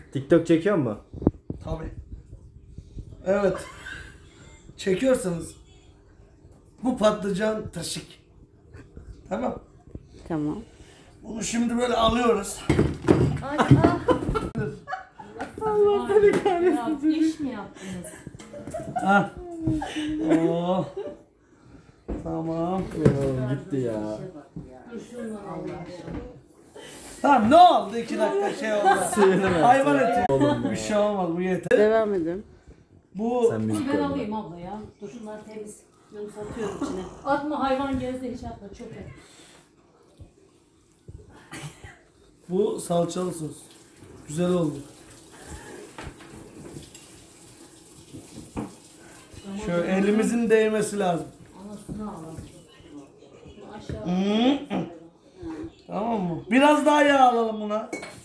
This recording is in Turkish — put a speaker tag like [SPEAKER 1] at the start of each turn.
[SPEAKER 1] TikTok çekiyor mu?
[SPEAKER 2] Tabii. Evet. Çekiyorsanız bu patlıcan taşık. Tamam.
[SPEAKER 3] Tamam.
[SPEAKER 2] Bunu şimdi böyle alıyoruz.
[SPEAKER 4] Ay,
[SPEAKER 3] Allah seni kahretsin.
[SPEAKER 4] iş mi yaptınız?
[SPEAKER 2] Ha. Oh. Tamam.
[SPEAKER 1] Gitti ya.
[SPEAKER 4] Dur şunları Allah aşkına.
[SPEAKER 2] Tamam ne oldu? 2 dakika şey oldu.
[SPEAKER 1] Suyunu ver.
[SPEAKER 2] Hayvan eti. Bir şey olmaz bu yeter.
[SPEAKER 3] Devam edin.
[SPEAKER 2] Bu
[SPEAKER 1] Sen müzik
[SPEAKER 4] Ben
[SPEAKER 1] koy.
[SPEAKER 4] alayım abla ya. Dur şunlar temiz. Yunus atıyorum içine. Atma hayvan gözde hiç atma çöpe.
[SPEAKER 2] bu salçalı sos. Güzel oldu. Şöyle elimizin değmesi lazım.
[SPEAKER 4] Anasını alalım. Aşağı.
[SPEAKER 2] Tamam mı? Biraz daha yağ alalım buna.